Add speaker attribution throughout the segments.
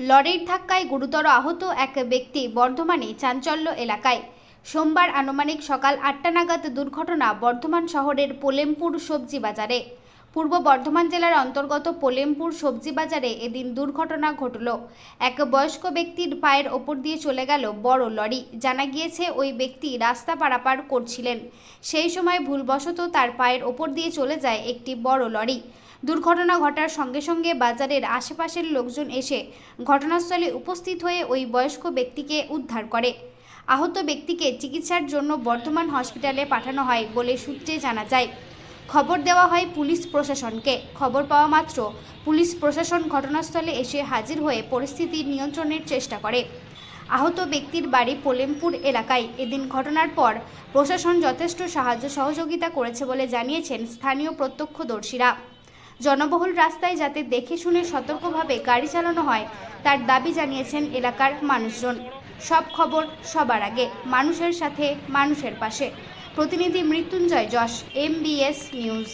Speaker 1: লরির ধাক্কায় গুরুতর আহত এক ব্যক্তি বর্ধমানে চাঞ্চল্য এলাকায়। সোমবার আনুমানিক সকাল ৮টা নাগাদ দুর্ঘটনা বর্ধমান শহরের পোলেমপুর সবজি বাজারে। পূর্ব বর্ধমান জেলার অন্তর্গত পোলেমপুর সবজি বাজারে এদিন দুর্ঘটনা ঘটল। এক বয়স্ক ব্যক্তির পায়ের ওপর দিয়ে চলে গেল বড় লরি। জানা গিয়েছে ওই ব্যক্তি রাস্তা পারাপার করছিলেন, সেই সময় ভুলবশত তার পায়ের ওপর দিয়ে চলে যায় একটি বড় লরি। দুর্ঘটনা ঘটার সঙ্গে সঙ্গে বাজারের আশেপাশের লোকজন এসে ঘটনাস্থলে উপস্থিত হয়ে ওই বয়স্ক ব্যক্তিকে উদ্ধার করে। আহত ব্যক্তিকে চিকিৎসার জন্য বর্ধমান হসপিটালে পাঠানো হয় বলে সূত্রে জানা যায়। খবর দেওয়া হয় পুলিশ প্রশাসনকে। খবর পাওয়া মাত্র পুলিশ প্রশাসন ঘটনাস্থলে এসে হাজির হয়ে পরিস্থিতি নিয়ন্ত্রণের চেষ্টা করে। আহত ব্যক্তির বাড়ি পোলেমপুর এলাকায়। এদিন ঘটনার পর প্রশাসন যথেষ্ট সাহায্য সহযোগিতা করেছে বলে জানিয়েছেন স্থানীয় প্রত্যক্ষদর্শীরা। জনবহুল রাস্তায় যাতে দেখে শুনে সতর্কভাবে গাড়ি চালানো হয় তার দাবি জানিয়েছেন এলাকার মানুষজন। সব খবর সবার আগে, মানুষের সাথে মানুষের পাশে। প্রতিনিধি মৃত্যুঞ্জয় যশ, MBS নিউজ।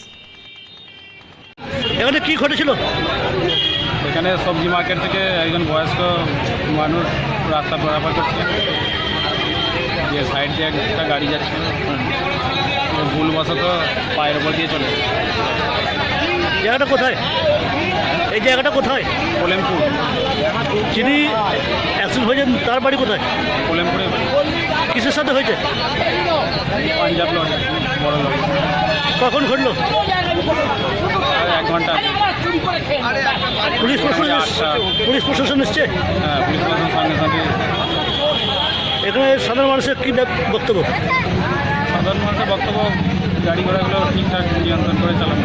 Speaker 2: এখানে কি ঘটেছিল?
Speaker 3: এখানে সবজি মার্কেট থেকে একজন বয়স্ক মানুষ রাস্তা পারাপার করছে, যে সাইড দিয়ে একটা গাড়ি যাচ্ছে, ভুলবশত পায়ের ওপর দিয়ে চলে গেছে।
Speaker 2: জায়গাটা কোথায়? এই জায়গাটা কোথায়?
Speaker 3: পোলেমপুর।
Speaker 2: যিনি অ্যাক্সিডেন্ট হয়েছেন তার বাড়ি কোথায়?
Speaker 3: পোলেমপুরে।
Speaker 2: কিসের সাথে হয়েছে?
Speaker 3: পাঞ্জাব লরি, বড় লরি।
Speaker 2: কখন ঘটলো?
Speaker 3: 1 ঘন্টা আগে।
Speaker 2: পুলিশ প্রশাসন পুলিশ প্রশাসন এসছে?
Speaker 3: হ্যাঁ, পুলিশ প্রশাসন সঙ্গে সঙ্গে।
Speaker 2: এখানে সাধারণ মানুষের কী বক্তব্য?
Speaker 3: সাধারণ মানুষের বক্তব্য, গাড়ি ঘোড়াগুলো ঠিকঠাক নিয়ন্ত্রণ করে চালানো,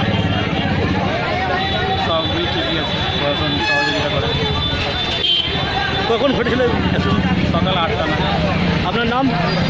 Speaker 3: সবই ঠিকই আছে, প্রশাসন সহযোগিতা করে।
Speaker 2: কখন ঘটেছিল?
Speaker 3: সকাল 8টা নাগাদ।
Speaker 2: আপনার নাম?